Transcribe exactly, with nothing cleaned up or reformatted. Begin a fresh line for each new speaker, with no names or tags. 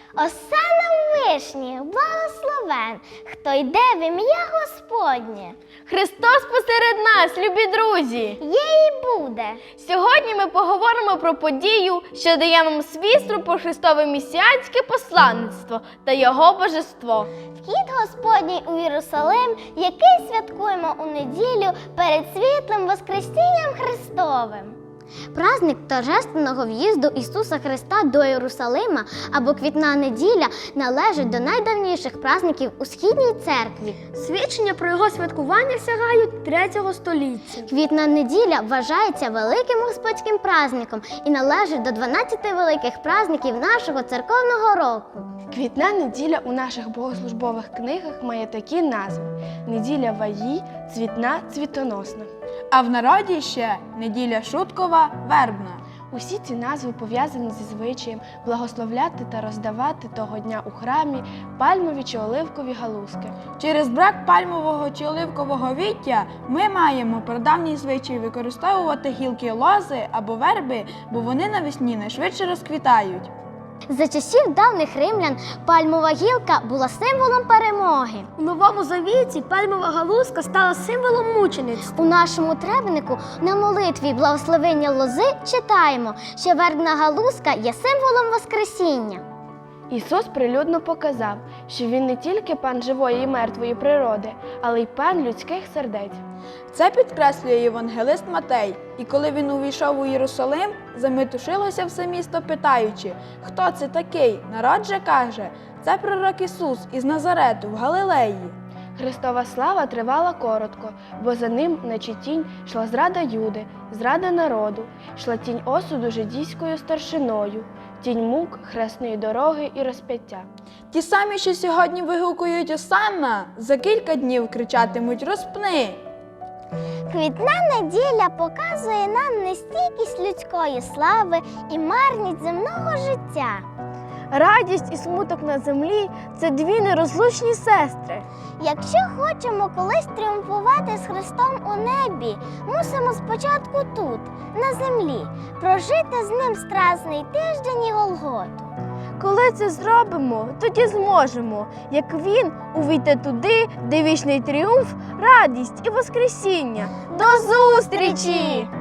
Осана вишні, благословен, хто йде в ім'я Господнє.
Христос посеред нас, любі друзі!
Є і буде.
Сьогодні ми поговоримо про подію, що дає нам свідство про Христове місіанське посланництво та Його божество.
Вхід Господній у Єрусалим, який святкуємо у неділю перед світлим Воскресінням Христовим. Праздник торжественного в'їзду Ісуса Христа до Єрусалима або Квітна неділя належить до найдавніших праздників у Східній церкві.
Свідчення про його святкування сягають третього століття.
Квітна неділя вважається великим господським праздником і належить до дванадцяти великих праздників нашого церковного року.
Квітна неділя у наших богослужбових книгах має такі назви: неділя Ваї, цвітна, цвітоносна.
А в народі ще неділя Шуткова, вербна.
Усі ці назви пов'язані зі звичаєм благословляти та роздавати того дня у храмі пальмові чи оливкові галузки.
Через брак пальмового чи оливкового віття ми маємо прадавній звичай використовувати гілки лози або верби, бо вони навесні найшвидше розквітають.
За часів давніх римлян пальмова гілка була символом перемоги.
У Новому Завіті пальмова галузка стала символом мучеництва.
У нашому требнику на молитві благословення лози читаємо, що вербна галузка є символом Воскресіння.
Ісус прилюдно показав, що Він не тільки пан живої і мертвої природи, але й пан людських сердець.
Це підкреслює євангелист Матей. І коли він увійшов у Єрусалим, заметушилося все місто, питаючи, хто це такий? Народ же каже, це пророк Ісус із Назарету в Галилеї.
Христова слава тривала коротко, бо за ним, наче тінь, йшла зрада Юди, зрада народу, йшла тінь осуду жидійською старшиною, тінь мук, хресної дороги і розп'яття.
Ті самі, що сьогодні вигукують «Осанна», за кілька днів кричатимуть «Розпни!».
Квітна неділя показує нам нестійкість людської слави і марність земного життя.
Радість і смуток на землі – це дві нерозлучні сестри.
Якщо хочемо колись тріумфувати з Христом у небі, мусимо спочатку тут, на землі, прожити з ним страсний тиждень і Голготу.
Коли це зробимо, тоді зможемо, як Він, увійти туди, де вічний тріумф, радість і воскресіння. До зустрічі!